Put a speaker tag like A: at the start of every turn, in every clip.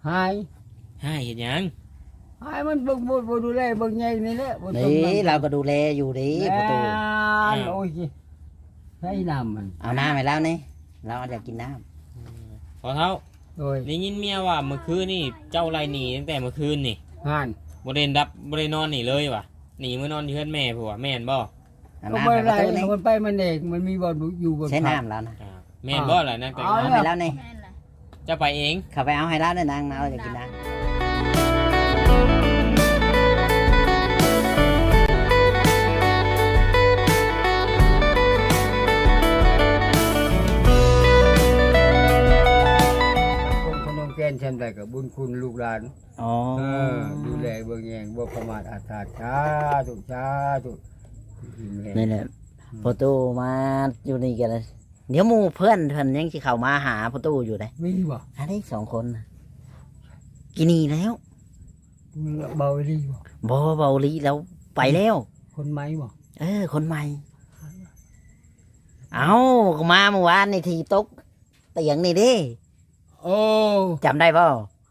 A: หาย
B: หายเห็นยัง
A: หายมันเบิ่งบ่ดูแลเบิ่งใหญ่นี่แหละบ่ต้อง
C: นี่เราก็ดูแลอยู่ดีประตู
A: โอ้ยให้น้ำมัน
C: เอาน้ำให้แล้วนี่เราอยากกินน้
B: พอเท่า
A: โดย
B: ได้ยินเมียว่าเมื่อคืนนี่เจ้าไรหนีตั้งแต่เมื่อคืนนี่
A: หาน
B: บ่ได้ดับบ่ได้นอนนี่เลยว่ะหนีมานอนที่เฮือนแม่ผัวแม่นบ่
C: ำเอา
A: ก็
C: น้ำ
A: บ่
C: ให้
A: ได้
C: ประตูนี่
A: มันไปมันเองมันมีบ่อยู่บน
C: ใช้น้ำแล้วนะ
B: แม่นบ่ล่ะนั่นแต่
C: เอาให้แล้วนี่
D: แม่นล่ะ
B: เจ้าไปเอง
C: เข้าไปเอาให้แล้วนี่นางเราอยากกินน้ำ
A: คนขนมแกนฉันได้กับบุญคุณลูกหลาน
C: อ๋อ
A: ดูแลเบิ่งแยงบ่ประมาทอาฆาตสาธุ
C: นี่แหละประตูมาอยู่นี่กันเลยเดี๋ยวหมู่เพื่อนยังสิเข้ามาหาประตูอยู่เลย
A: มีบ่
C: อันนี้2 คนน่ะกินนี่แล้ว
A: เบาดีบ่
C: บ่เบาลีแล้วไปแล้ว
A: คนไหมบ่
C: คนใหม่ เอาก็มาเมื่อวานนี่ทีตกเตียงนี่ดิ
A: โอ้
C: จำได้เปล่า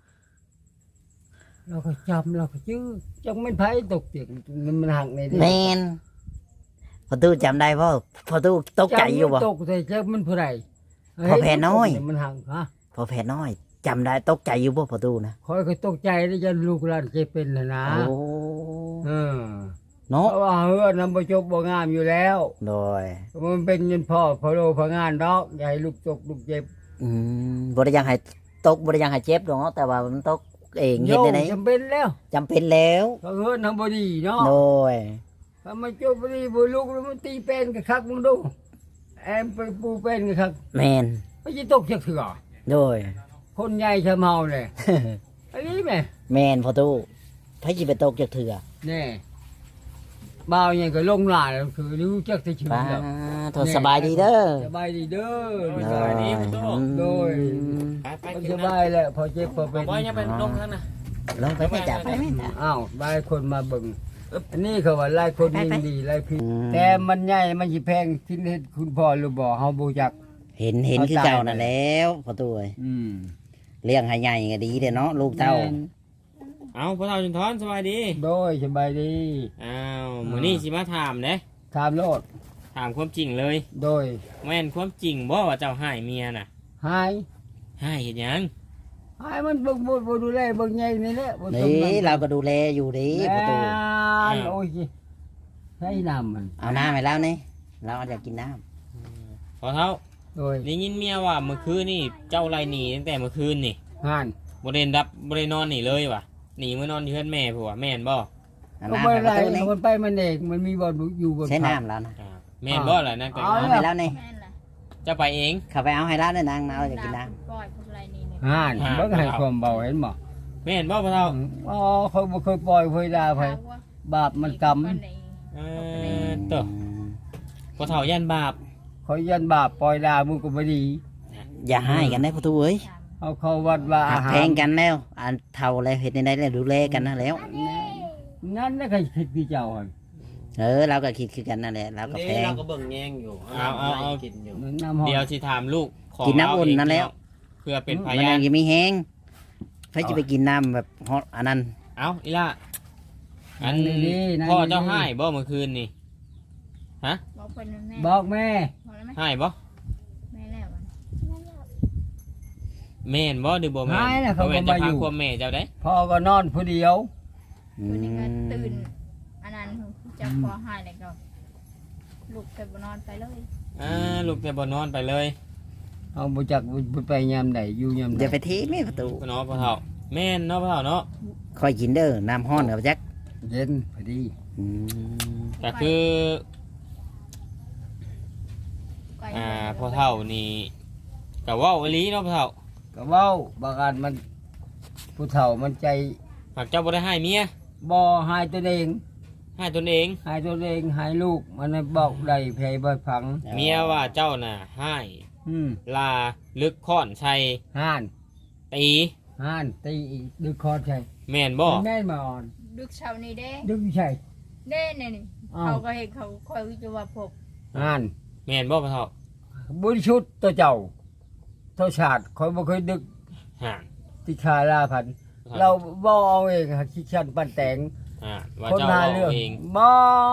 A: เราก็จำเราก็ชื่อจังมันไผตกเตียงมันหักใน
C: แมนพอตู้จำได้เปล่าพอตู้ตกใจอยู่บ่
A: ตกใจจังมันผู้ใด
C: พอแผ่น้อย
A: มันหักฮะ
C: พอแผ่น้อยจำได้ตกใจอยู่บ่พอตู้นะ
A: คอยก็ตกใจแล้วจะลูกหลานเจ็บเป็นน่ะนะ
C: โอ้
A: เออ
C: เนาะ
A: เพราะว่าเฮือนนำบ่จบบ่งามอยู่แล้ว
C: โดย
A: มันเป็นเงินพ่อพอโลพองานดอกอย่าให้ลูกตกลูกเจ็บ
C: บ่ได้ยังให้ตกบ่ได้ยังให้เจ็บดอกเนาะแต่ว่ามันตกเองเฮ็ดได้ไหน
A: จำเป็นแล้ว
C: จำเป็นแล้ว
A: เพราะเฮือนนำบ่ดีเนาะ
C: โดย
A: ถ้ามันจบบ่ดีบ่ลูกแล้วมันตีเป็นก็คักมึงดูแอมไปปูเป็นก็คัก
C: แมน
A: ไม่สิตกจักเถื่อ
C: โดย
A: คนใหญ่ชะเมาเลยอันนี้แม่
C: แมนพอตู้ไผสิไปตกจากเถื่อ
A: แน่บ่าวยังก็ลงหลานแล้วคือรู้จักแต่ชื่อ
C: ป้า
A: แล้ว
C: โทษสบายดีเด้อ
A: สบายดีเด้อ
B: สบายดีประตู
A: โดย
B: ไปไป
A: มัน
B: กิ
A: ส
B: นน้
A: บายแหละพอเจ็บพอ
B: ำ
A: เป็น
B: บ่ยังไปลงข้างน่ะ
C: ลงไปไม่จับไปไม่จับ
A: อ้าวบายคนมาเบิ่งอันนี้เขาว่าหลายคนยินดีหลายพี่
C: อืม
A: แต่มันใหญ่มันสิแพงที่เฮ็ดคุณพ่อหรือบ่เฮาบ่จัก
C: เห็นคือเก่านั่นแล้วพอตู้เอ้ย
A: อืม
C: เลี้ยงให้ใหญ่ก็ดีเด้อเนาะลูกเต้า
B: เอาพ่อเท่าจุนทอนสบายดี
A: โดยสบายดี
B: อ้าวมื้อนี้สิมาถามเด้
A: ถามโลด
B: ถามความจริงเลย
A: โดย
B: แม่นความจริงบ่ว่าเจ้าหายเมียน่ะ
A: หาย
B: หายเห็นยัง
A: หายมันเบิ่งบ่ดูแลเบิ่งใหญ่นี่แหละบ่ต้อง
C: นี่เราก็ดูแลอยู่ดีประตู
A: โอ้ยให้น้ำมัน
C: เอาน้ำให้แล้วนี่เราอยากกินน้
B: พอเท่า
A: โดย
B: ได้ยินเมียว่าเมื่อคืนนี่เจ้าไรหนีตั้งแต่เมื่อคืนนี่
A: หาน
B: บ่ได้ดับบ่ได้นอนนี่เลยว่ะหนีมานอนที่เฮือนแม่ผัวแม่นบ่
C: ำเอา
A: ก็
C: น้ำ
A: บ่
C: ให้ป
A: ได้
C: ระตูนี่
A: มันไปมันเองมันมีบ่อยู่บน
C: ใช้น้ำแล้วนะ
B: แม่นบ่ล่ะนั่นแต่
C: เอาให้แล้วนี่
D: แม่นล่ะ
B: เจ้าไปเอง
C: เข้าไปเอาให้แล้วนี่นางเราอยากกินน้
D: ปล่อยพวกไรนี่เนี่ย
A: หานเบิ่งให้ความเบาเห็นบ่
B: แม่นบ่พ่อเท่า
A: อ๋อเขาบ่เคยปล่อยเคยด่าไผ
D: ถามว่า
A: บาปมันกรรม
D: คนไหน
B: เอ
C: ำ
B: เตอพ่อเท่ายันบาป
A: เขายันบาปปล่อยด่ามึงก็บ่ดี
C: อย่าให้กันได้ประตูเอ้ย
D: ถาม
A: เอาเข้าวัดว่า
C: หั
A: อาก หาร
C: แพงกันแล้วอันเท่าแล้วเห็ดในได้แล้วดูแลกันนะแล้ว
A: นั่นน่ะใครคิดพี่เจ้าหั่น
C: เราก็คิดคือกันนั่นแหละเราก็แพง
E: เราก็เบิ่งแย่งอยู่
B: เอา
E: กินอยู่
A: น้ำหอม
B: เดี๋ยวสิถามลูกขอ
C: กินน้ำอุ่นนั่นแล้ว
B: เพื่อเป็นพ
C: มัน
B: ยาน
C: ยังมีแห้งใครจะไปกินน้ำแบบฮอตอันนั้น
B: เอ้าอีล่ะอัน
A: ดีๆ
B: พ่อเจ้าหายบ่เมื่อคืนนี่
D: บอกคนแม่
A: บอกแม่
D: บอกแล้วไหม
B: หายบ่
D: แม่แล้วมัน
B: แม่นบ่หรือบ่แม่น
A: หายแล้วเขา
B: บ่
A: ก็
B: แม่นจะ
A: มาอ
B: พา
A: ยู่
B: ความแม่เจ้าได้
A: พ่อก็นอนผู้เดียว
D: คนนี้ก็ตื่นอันนั้นจะพอหายเลยก็ลุกไปบนนอนไปเลย
B: ลูกแต่บ่นอนไปเลย
A: เอาบ่จักบ่ไปยามใดอยู่ยามใด
C: เดี๋ยวไปทีไม่ประตู
B: พ่อเนาะพ่อเฒ่าแม่นเนาะพ่อเฒ่าเนาะ
C: คอยกินเด้อน้ำห้อนกับจัก
A: เย็นพอดี
C: อืม
B: ก็คือ
D: ไป
B: พ่อเฒ่านี่ก็เว้าอีหลีเนาะพ่อเฒ่า
A: ก็เว้าบางอันมันผู้เฒ่ามันใจ
B: หากเจ้าบ่ได้ให้เมีย
A: บ่หายตัวเอง
B: ให้ตนเอง
A: หายตัวเองหายลูกมันให้บอกได้แผลบ่ฟัง
B: เมียว่าเจ้าน่ะให้
A: อืม
B: ลาลึกค้อนชัย
A: ห่าน
B: ตี
A: ห่านตีอีกดึกคอใช่
B: แม่นบ่
A: แม่นมาอ่อน
D: ดึกเช้านี้เด้
A: ดึกใช่
D: เด้เนี่ยนี่
A: อ้าว
D: เขาก็เห็นเขาคอยวิจารณ์พบ
A: ห่าน
B: แม่นบ่พ่อเฒ่า
A: บริสุทธิ์ตัวเจ้าตัวชาติคอยบ่เคยดึก
B: ห่า
A: ตีติชาลาพันธุ์เราบ่เอาเองค่ะคิดชันปันแต่ง
B: ว่า
A: คน
B: เจ้า
A: หา
B: เว้า
A: เรื่อง
B: เอง
A: บ่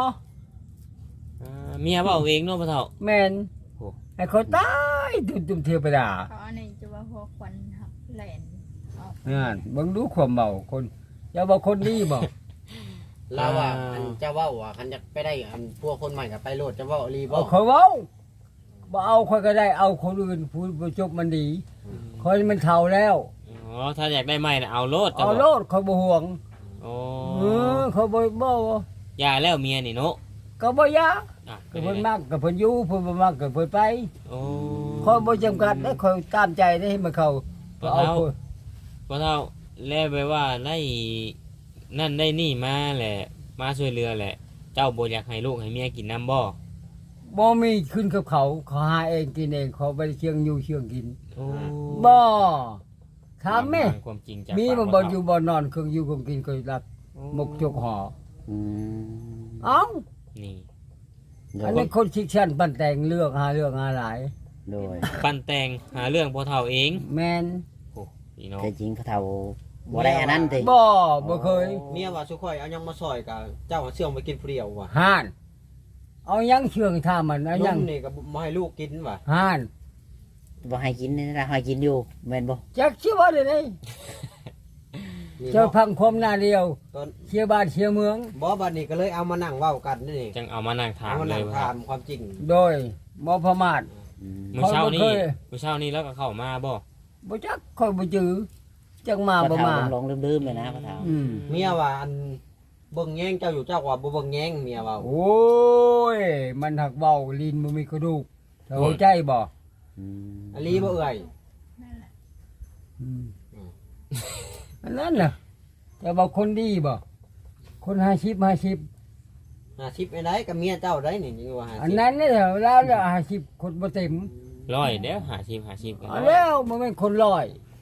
B: เมียเว้าเองเนาะพ่อเฒ่า
A: แม่น
B: โอ้
A: ให้เขาตายตุ่มเทวดา
D: เขาอันนี้จะว่าพวกควันหักแหลนออก
A: นั่นเบิ่งดูความเมาคนอย่าบอกคนดีบ่
E: เราว่าอันเจ้าเว้าว่าคันจะไปได้อันพวกคนใหม่ก็ไปโลดเจ้าเว้าอีหลีบ่
A: เอาเขาเว้าบ่เอาคนก็ได้เอาคนอื่นผู้บ่จบมันดีคนมันเฒ่าแล้ว
B: อ๋อถ้าอยากได้ใหม่น่ะเอาโลดจ้ะ
A: เอาโลดเขาบ่ห่วง
B: โอ้
A: เขาบ่
B: อย่าแล้วเมียนี่เนาะ
A: ก็บ่ยาก
B: อ่ะ
A: ก็เพิ่นมักก็เพิ่นอยู่เพิ่นบ่มักก็เพิ่นไป
B: โอ้
A: คอยบ่จำกัดได้คอยตามใจได้ให้มันเข้าก็เอาคน
B: พ่อเฒ่าแล้วไปว่าได้นั่นได้นี่มาแหละมาช่วยเรือแหละ เจ้าบ่อยากให้ลูกให้เมียกินน้ำบ่
A: บ่มีขึ้นกับเขาเขาหาเองกินเองเขาบ่ได้เชียงอยู่เชียงกิน
B: โอ้
A: บ่ถามแม่
B: ฟังความจริงจาก
A: มี
B: ปาก
A: มัน
B: พ่
A: บ่
B: เฒ่า
A: อยู่บ่นอนเครื่องอยู่เครื่องกินก็รับหมกจกห่อ
C: อืม
A: เอ้า
B: นี่
C: โด
A: อัน
C: ย
A: นี้คนชิกชันปั่นแต่งเลือกหาเรื่องหาหลาย
C: โดย
B: ปั้นแต่งหาเรื่องพ่อเฒ่าเอง
A: แม่น
B: โอ้พี่น้อง
C: แต่จริงเขาเฒ่าบ่ได้อันนั้นติ
A: บ่เคย
E: เมียว่าสุข่อยเอายังมาซอยกับเจ้าเอาเชื่องไปกินผู้เดียวว่ะ
A: ห่าน เอายังเชื่องท่ามันเอา
E: น
A: ยัง
E: มนี่ก็บ่ให้ลูกกินว่ะ
A: ห่าน
C: บ่ให้กินนี่นะให้กินอยู่แม่นบ่
A: จักชื่อว่าได้ได
E: นี่
A: เจ้า
E: เนาะ
A: พังคมหน้าเดียว
E: ตอน
A: เชียร์บ้านเชียร์เมือง
E: บ่บัดนี้ก็เลยเอามานั่งเว้ากันนี่
B: จังเอามานั่งถาม
E: เอามา
B: เล
E: นั่
B: ย
E: ง
B: ว่า
E: ถามความจริง
A: โดยบ่ประมาท
C: อืม
B: มื้อเช้านี้
A: เขาบ่เคย
B: มื้อเช้านี้แล้วก็เข้ามาบ่
A: บ่จักค่อยบ่จื้อจักมา
C: พ่อ
A: บ่
C: เฒ่า
A: มา
C: หลงๆลืมๆเลยนะพ่อเฒ่า
A: อืม
E: เมียว่าอันเบิ่งแย่งเจ้าอยู่เจ้าว่าบ่เบิ่งแย่งเมียว่า
A: โอ้ยมันหักเบาลิ้นบ่มีกระดูกเข้าใจบ่
C: อืม
E: อลีบ่เอ่ย
D: นั่นแหละ
A: อืมอันนั้นน่ะแต่ว่าคนดีบ่คน50
E: 50ไอ้ไดกับเมียเจ้าได้นี่ยังว่า
A: อันนั้นเนี่ยแล้ว50คนบ่เต็ม
B: ร้อยเด้อ50กัน
A: เอาแล้วมันเป็นคนร้อย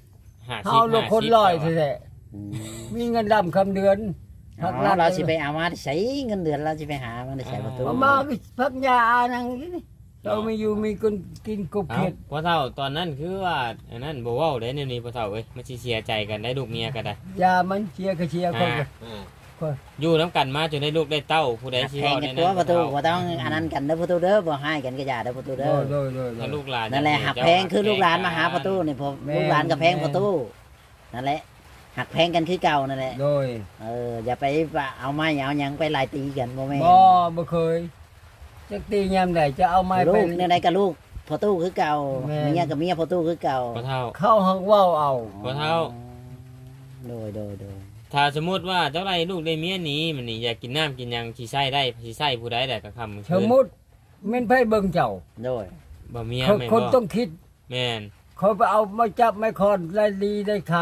B: 50
A: เฮาลูกคนร้อยแท้
C: อืม
A: ๆมีเงินดำคำเดือน
C: อ๋อเราสิไปเอามาได้ใช้เงินเดือนเราสิไปหามาได้ใช้ประตู
A: เอามาก็พักยาอานังนี่เราไม่อยู่มีคนกินกบ
B: เอ้า
A: เขียด
B: พ่อเฒ่าตอนนั้นคือว่าอันนั้นบ่เว้าได้แนวนี้พ่อเฒ่าเอ้ยมันสิเสียใจกันได้ลูกเมียก็ได้
A: ยามันเชียร์ก็เชียร์คนก็
E: อ่า
B: อยู่นํกันมาจนได้ลูกได้เต้าผู้ใดสิ
C: แพง
B: เว้า
C: กั
B: ได้
C: น
B: นั้
C: ตัวน ประตู
B: พ่อ
C: บ่
B: เฒ่า
C: ต้องอันนั้นกันเด้อประตูเด้อบ่ให้กันก็อย่าเด้อประตู
A: โด
C: เด้อย
A: โดยโดย
B: ถ้าลูกหลาน
C: นั่นแหละหักแพงคือลูกหลานมาหาประตูนี่พอ
A: แม่น
C: ลูกหลานกับแพงประตูนั่นแหละหักแพงกันคือเก่านั่นแหละ
A: โดย
C: อย่าไปว่าเอาไม้เอาหยังไปไล่ตีกันบ่แม่น
A: บ่เคยจักตียามใดจะเอาไม้
C: ลู
A: ไป
C: กในใดกับลูกพอตู้คือเก่า
A: แม่น
C: เมียกับเมียพอตู้คือเก่า
B: พ่อเฒ่า
A: เข้าหักเว้าเอา
B: พ่อเฒ่า
C: โดย
B: ถ้าสมมุติว่าเจ้าไรลูกได้เมียหนีมันนี่อยากกินน้ำกินหยังสิใช้ได้สิใช้ผู้ใดได้ก็คำ
A: สมมุติแม่นไผเบิ่งเจ้า
C: โดย
B: บ่เมีย
A: เขา
B: แม่น
A: คน
B: บ่
A: ต้องคิด
B: แม่น
A: เขาไปเอามาจับไม้คอนไล่ลีได้ขา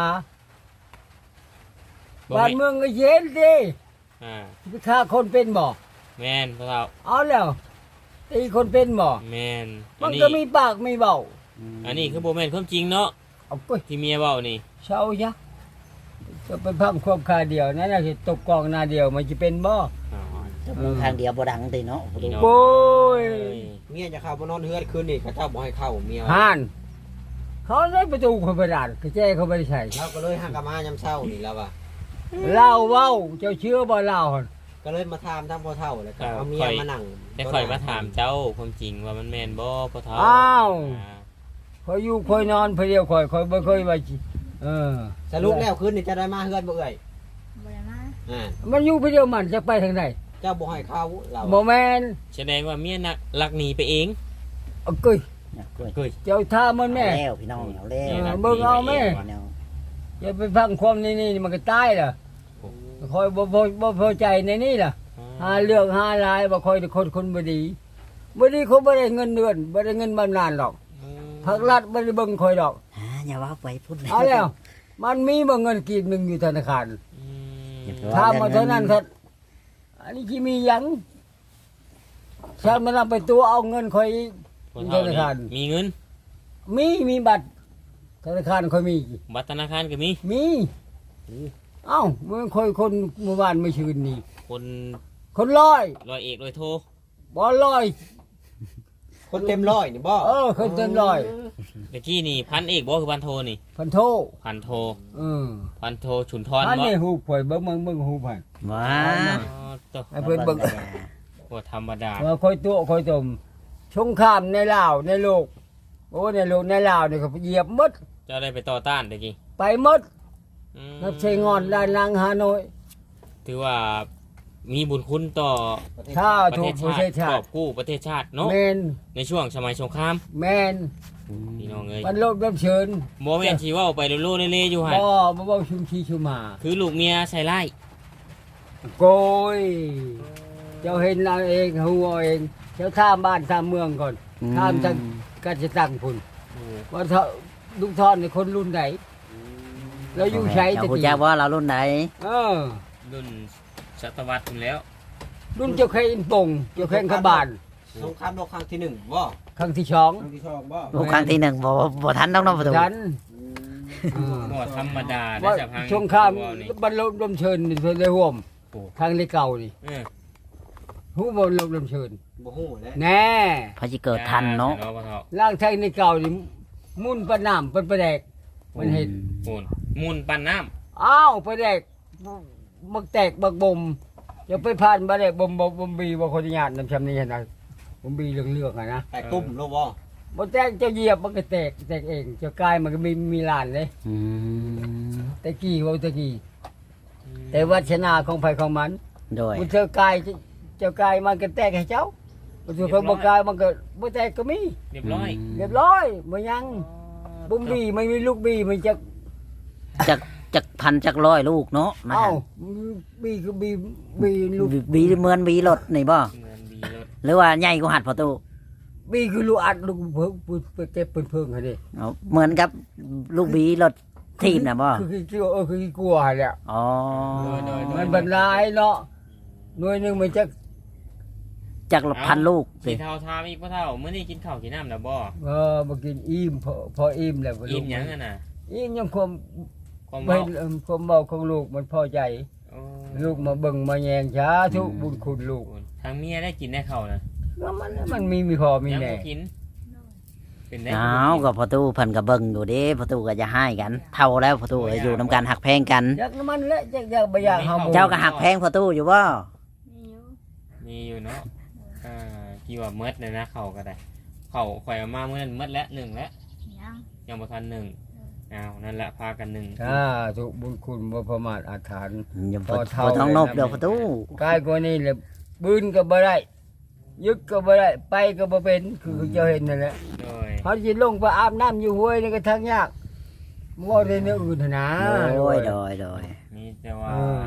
B: บ่
A: บ้าน
B: แม่น
A: เมืองก็เย็นดิ
B: อ่า
A: ไปฆ่าคนเป็นบ่
B: แม่นพ่อเฒ่า
A: เอาแล้วตีคนเป็นบ่
B: แม่น
A: มันก็มีปากมีเบ้า
B: อันนี้คือบ่แม่นความจริงเนาะ
A: เอาไป
B: ที่เมียเว้านี่
A: เช้าจ้ะจะไปพังควบคาเดียวนั่นน่ะสิตกกองหน้าเดียวมันจะเป็นบ่
B: อ๋อ
C: จะมีทางเดียวบ่ดังติเนาะประตู
A: โอ้ย
E: เมียจะเข้ามานอนเฮือนคืนนี่ก็เจ้าบ่ให้เข้าเมีย
A: ห่านเขาได้ประตูเขาไปด่านกระแจเขาไม่ได้ใส่
E: เราก็เลยหักกะมายามเช้านี่แล้วว่ะ
A: เล่าเว้าเจ้าเชื่อบ่เล่าหั่น
E: ก็เลยมาถามทางพ่อเฒ่าแล้วก็เอาเมียมานั่ง
B: ได้ข่อยมาถามเจ้าความจริงว่ามันแม่นบ่พ่อเฒ่า
A: อ้าว
B: อ่า
A: คอยอยู่คอยนอนเพอเดียวคอยบ่เคยว่าสิเออ
E: สรุปแล้วคืนนี่จะได้มาเฮือนบ่เอ่ย
D: บ่ได้มา
E: อ่า
A: มันอยู่เพอเดียวมันจะไปทางไหน
E: เจ้าบ่ให้เข้าเรา
A: บ่แม่น
B: แสดงว่าเมียนักลักหนีไปเอง
A: เอาเกุ้ย
C: เนี่ยกล้วย
B: เฮ้ย
A: เจ้าท่ามันแม่
C: เอาแล้วพี่น้องเอาแล้ว
B: มียนักหนี
A: เบิ่งเอาแม่
B: ไปง
C: เนาะ
A: อย่าไปฟังความนี่มันก็ตายล่ะคอยบ่พอใจในนี่ล่ะ หาเรื่องหาลายบ่คอยคนบ่ดีเขาบ่ได้เงินเดือนบ่ได้เงินบำนาญหรอกภาครัฐบ่ได้เบิ่งคอยดอก
C: อย่าว่าไปพูด
A: เอาแล้ว มันมีบ่เงินกีบหนึงอยู่ธนาคาร
B: อืม
A: ถ้ามาเท่านั้นเถิดอันนี้สิมีหยังฉันมันเอาไปตัวเอาเงินคอย
B: พ่อเฒ่า
A: ธนาคาร
B: มีเงิน
A: มีบัตรธนาคารคอยมี
B: บัตรธนาคารก็มี
A: มีเอ้ามันคอยคนเมื่อวานเมื่อคืนนี่
B: คน
A: คนร้อย
B: ร้อยเอกร้อยโท
A: บ่ร้อย
E: คนเต็มร้อยนี่บ่
A: คนเต็มร้อย
B: ตะกี้นี่พันเอกบ่คือพันโทนี่
A: พันโท
B: พันโท
A: เออ
B: พันโทฉุนทร
A: อัน
B: บ่
A: นี้ฮูบข่อยเบิ่งฮูบให้
C: ว้า
B: อ๋อตัว
A: ให้เพิ่นเบิ่ง
B: บ่ธรรมดา
A: ว่าค่อยตัวค่อยตมสงครามในลาวในโลกโอ้ในโลกในลาวนี่ก็เหยียบหมด
B: เจ้าได้ไปต่อต้านตะกี้
A: ไปหมด
B: อืม
A: นับใช้งอนด้านลังฮานอย
B: ถือว่ามีบุญคุณต่อ
A: ถ้า
B: ประ
A: ถู
B: เท
A: ก
B: ศ
A: ประ
B: ชา
A: เท
B: ติ
A: ศชา
B: ครอ
A: ติ
B: บกู้ประเทศชาติเนาะ
A: แม่น
B: ในช่วงสมัยสงคราม
A: แม่น
B: พี่น้องเอ้ย
A: มันลบรับเชิญ
B: บ่แม่นสิเว้าไปโลๆเล่ๆอยู่หั่น
A: บ่ชุมชีชุมมา
B: คือลูกเมียใส่ร้าย
A: โกยเจ้าเห็นเอาเองฮู้เอาเองเจ้าท่ามบ้านท่ามเมืองก่อนท่ามทางกาจะตั้งพุ่นว่าเถาลูกทอนนี่คนรุ่นไหนแล้วอยู่ใช้
C: เจ้า
A: ตะ
C: ผู้
A: กี้
C: จักว่าเรารุ่นใด
A: เออ
B: รุ่นศตวรรษพุ่นแล้ว
A: รุ่นเจ้าแค่อินปงเจ้าแค่ขบาน
E: สงครามโลกครั้งที่หนึ่งบ่
A: ครั้งที่สอง
E: ครั้งที่สองบ่
C: ลูกครั้งที่หนึ่งบ่ทันต้องน้องประตู
A: ฉัน
B: บ่ธรรมดาได้
A: ว่า
B: จะพัง
A: ช่วงข้าม
B: เว้นี่
A: บรรลุลมเชิญนี่เพิ่นได้ร่วม
B: โอ้
A: ทางในเก่านี่
B: เออ
A: ฮู้บ่ลมลมเชิญ
E: บ่ฮู้แหล้ว
A: แน่
C: พอสิเกิดทันเนาะ
B: บ่เฒ่า
A: ร่างทางในเก่านี่มุ่นประน้ำเป็นประแดกมันเห็น
B: โอนมูลปันน้ำ
A: อ้าวประแดกบักแตกบักบ่มจะไปผ่านประแดกบ่มบีบ่คนญาตินำชำนี้นะบ่มบีเรื่องๆอ่ะนะ
E: แต่ตุ้มโลกบ่
A: บ่แตกเจ้าเหยียบมันก็แตกเองเจ้ากายมันก็มีลานเลย
C: อืม
A: ตะกี้ว่าตะกี้แต่วัชนาของไผของมัน
C: โดย
A: มันเจ้ากายเจ้ากายมันก็แตกให้เจ้ามันถูกคนบ่กายมันก็บ่แตกก็มี
B: เรียบร้อย
A: เรียบร้อยบ่ยังบ่มบีไม่มีลูกบีมันจะ
C: จักพันจักร้อยลูกเนาะนะ
A: เอ้า
C: ฮะ
A: บีคือบีลูก
C: บีเหมือนบีรถนี่บ่
B: เงินดีรถ
C: หรือว่าใหญ่กว่าหัดประตู
A: บีคือลูกอัดลูกเพิ่งเก็บเพิ่งให้ดิ
C: เอาเหมือนกับลูกบีรถทีมน่ะบ่
A: คือกลัวแหละ
C: อ๋อ
A: มันบรรลายเนาะหน่วยหนึงมันจะ
C: จักรพันลูก
B: สี
C: สิ
B: เทาทามอีกพ่อเท่ามื้อนี้กินข้าวกินน้ำแล้วบ่
A: บ่กินอิ่มพออิ่มแล้ว
B: อิ่มหยังอ่ะน่ะ
A: อิ่มยังความ
B: ความ
A: ไม่
B: เมา
A: ความเมาของลูกมันพอใจ
B: โอ้
A: ลูกมาเบิ่งมาแยงช้าทุกบุญคุณลูก
B: ทางเมียได้กินได้ข้าวนะ
A: แล้วมันมีพอมี
B: ยัง
A: แน่
B: บ่กิน เป็นได้
C: อ้าวก็ประตูเพิ่นก็เบิ่งอยู่เด้ประตูก็จะให้กัน เท่าแล้วประตูก็อยู่นํกันหักแพงกัน
A: อยากมันและอยากบ่อยากเฮาบ่
C: เจ้าก็หักแพงประตูอยู่บ่
D: มีอยู่
B: มีอยู่เนาะกี่ว่าเมดเลยนะข้าวก็ได้ข้าวข่อยเอามามื้อนั้นเมดแล้ว1แล้ว
D: ยัง
B: ยังบ่ทัน1อ้าวนั่นแหละพากัน1
A: ถ้าทุกบุญคุณบ่ประมาทอาถรรพ์
C: อย่า
A: พอเท่า
C: บ่ต้องนบเด้อประตู
A: กายกว่านี้แหละบืนก็บ่ได้ยึดก็บ่ได้ไปก็บ่เป็นคือเจ้าเห็นนั่นแหละ
B: โดย
A: เขาสิลงไปอาบน้ำอยู่ห้วยนี่ก็ทางยากบ่ได้เนื้ออื่นหั่นนะ
C: โอ้ยโดยโดย
B: มีแต่ว่า
A: เออ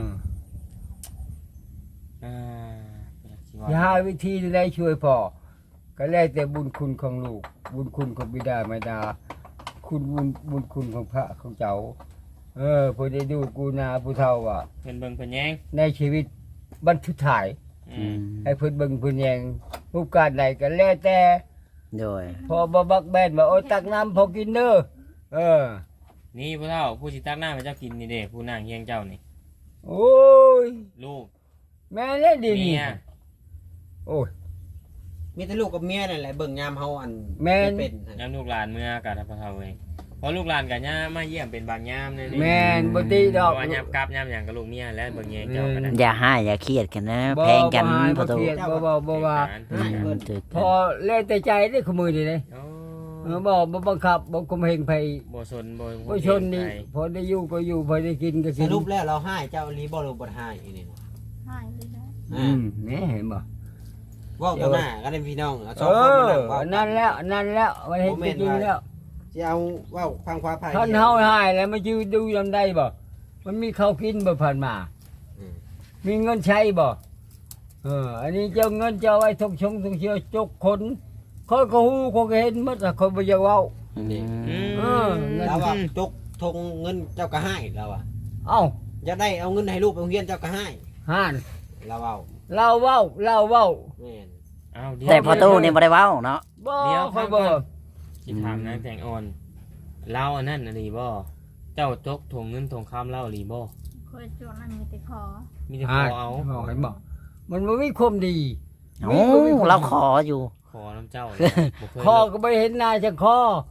B: อ่าสิว่า
A: อย่าหาวิธีใดช่วยพ่อก็แล้วแต่บุญคุณของลูก บุญคุณของบิดามารดา คุณบุญคุณของพระของเจ้า ผู้ได้ดูกูนาผู้เฒ่าว่า
B: เพิ่นเบิ่งเพิ่นแยง
A: ในชีวิตบรรทุถ่าย
B: อืม
A: ให้เพิ่นเบิ่งเพิ่นแยงรูปการใดก็แล้วแต่
C: โดย
A: พอบ่บักแบนว่าโอ้ยตักน้ำพอกินเด้อเออ
B: นี่พ่อเฒ่าผู้สิตักน้ำให้เจ้ากินนี่เด้ผู้นางเฮียงเจ้านี่
A: โอ้ย
B: ลูก
A: แม่เล่นดี
B: เมี
A: นี่
B: ย
A: โอ้ย
E: มีแต่ลูกกับเมียนั่นแหละเบิ่งยามเฮาอัน
A: แม่น
E: เป็น
B: ยามลูกหลานเมื่อกันพ่อเฒ่าเองพอลูกหลานกับย่ามาเยี่ยมเป็นบางยามเลยนี่
A: แม่นบ่ติด
B: เพ
A: อก
B: ราะว่ายามกลับยามหยังกับลูกเมียและเบิ่งแยงเจ้าก็ได้
C: อย่าให้อย่าเครียดกันนะ
A: บ่
C: แพงกัน
A: บ่ให้
C: ประตู
A: บ่เครียดบ่ว่า
C: อืมถูก
A: พอเล่นแต่ใจได้ขมือนี่เลย
B: โอ้
A: บ่บังคับบ่คุมเหงไผ
B: บ่สนบ่
A: บ่ชนนี่พอได้อยู่ก็อยู่พอได้กินก็
E: ส
A: กิน
E: รุปแล้วเราให้เจ้าลีบ่หรือบ่ให้อีนี่นะ
D: หายไปแล้ว
A: แม่เห็นบ่
E: เว้าต่อหน้ากันเป็นพี่น้องเอาส
A: เอ
E: องคนมา
A: อ
E: นั่งเว้า
A: นั่นแล้วมันเห็นจริงแล้ว
E: สิเอาเว้าฟังความภาย
A: ท่านเฮาหายแล้วมายืนดูลำได้บ่มันมีข้าวกินบ่ผ่านมา มีเงินใช้บ่อันนี้เจ้าเงินเจ้าไว้ทงชงทงเชียวจกคนคอยก็ฮู้คอยก็เห็นหมดอะคอยบ่อยากเว้า
C: อืม
A: เออเงิน
E: แล้วว่าจกทงเงินเจ้าก็ให้แล้วอ่ะ
A: เอ้า
E: จะได้เอาเงินให้ลูกไปโรงเรียนเจ้าก็ให้
A: ห่าน
E: แล้วเว้า
A: เราเว้า
E: แม่น
B: อ้าวเดี๋ยว
C: แต่ประตูนี่บ่ได้เว้าเนาะ
A: บ่
B: เดี๋ยว
A: คอยบ่
B: สิถามนางแตงอ่อนเล่าอันนั้นน่ะลีบ่เจ้าจกถงเงินถงคำเล่าลีบ่
D: เคยจวงนั่นมีแต่ขอ
B: มีแต่ข
A: ห่า
B: อน เอา
A: เห็นบ่มันบ่มีความดี
C: โอ้เราขออยู่
B: ขอน้ำเจ้าเลยบ่เคย
A: คอก็ไม่เห็นหน้าจะคอ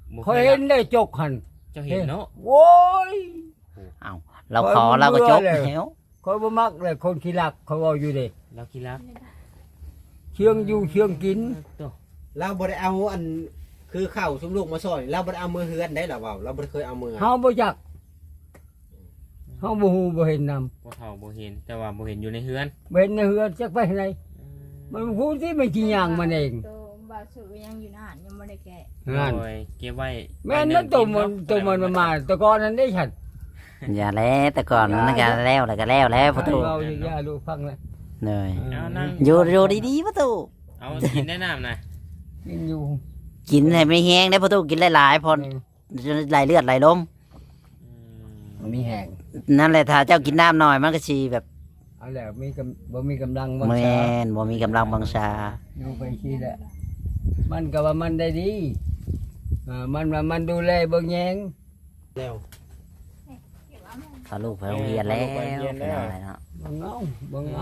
B: บ่
A: คอยเห็นได้จกหัน
B: เจ้าเห็นเนาะ
A: โว้ย
C: เอาเราขอเราก็จบแล้ว
A: คอยบ่มักเลยคนขี้รักเขาเอาอยู่เด้
B: เราคิดรัก
A: เชื่องอยู่เชื่องกิน
B: ตัว
E: เราบ่ได้เอาอันคือข้าวชุมลูกมาซอยเราบ่ได้เอามือเฮือนได้หรอเปล่าเราบ่ได้เคยเอามือ
A: เฮาบ่จักเฮาบ่ฮู้บ่เห็นนำ
B: บ่เฒ่าบ่เห็นแต่ว่าบ่เห็นอยู่ในเฮือน
A: บ่เห็นในเฮือนจักไปไหนมันฮู้ที่มันสิย่างมันเอง
D: ตัวบาสุยังอยู่นานยังไม่ได้แกะ
A: นั่น
B: โอ้ยเก็บไว้
A: แม่นนั่นตัวมันมาแตะกอนนั้นได้ฉัน
C: อย่าแล้วแต่ก่อนมันก็แล้วแล้วก็แล้วประตู
A: เราอย่าลูกฟังเลย
C: เลย
B: เอานั่ง
C: อยู่ดีๆประตู
B: เอากินได้น้ำนะ
A: กินอยู่
C: กินให้ไม่แห้งได้ประตูกินหลายๆพอไหลเลือดไหลลม
A: มันมีแห้ง
C: นั่นแหละถ้าเจ้ากินน้ำหน่อยมันก็สิแบบ
A: เอาแล้วบ่มีกำลังวัง
C: แม่
A: ชาน
C: บ่มีกำลังบังชา
A: อยู่ไปขี้แหละมันก็ว่ามันได้ดีมันว่ามันดูแลเบิ่งแยง
E: แล้ว
D: เก็บเอาแม่
C: พาลูกไปโรงเรียนแล้วเป็นอะไรเนาะ
A: เบิ่งเอา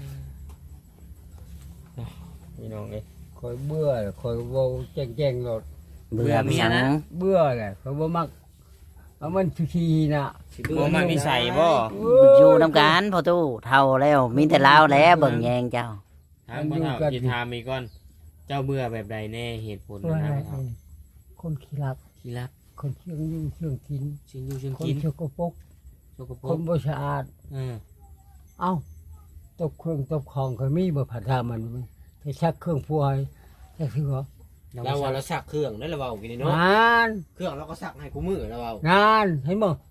B: พี่น้องเอ้ย
A: คอยเบื่อคอยเว้าแจ้งๆโลด
C: เบื่อ
B: เมีย
C: สัง
B: นะ
A: เบื่อแหละเขาบ่มักเอามันขี้น่ะ
B: บ่มักนิสัยบ่
C: อยู่น้ำกันพอตู้เท่าแล้วมีแต่ลาวแล้วเบิ่งแยงเจ้า
B: ถามบ่เฒ่าสิถามอีกก่อน เจ้าเบื่อแบบใดแน่เหตุผล
A: เบื่อ
B: นะ
A: อะไร
B: ครับ
A: คนขี้รัก
B: ขี้รัก
A: คนเชื่องอยู่เชื่องกิน
B: ชิงอยู่ชิง
A: คน
B: กิน
A: เชื่องกปรก
B: สกปร
A: คน
B: ก
A: บ่สะอาด
B: เออ
A: เอ้าตบเครื่องตบของก็มีบ่ผัดทามันไปชักเครื่องพัวให้จักสิบ่
E: เราว่าเราซักเครื่องได้หรือเปล่ากินนี่เนาะ
A: งาน
E: เครื่องเราก็ซักให้กูมือแล้วเปล่า
A: งานเห็นบ่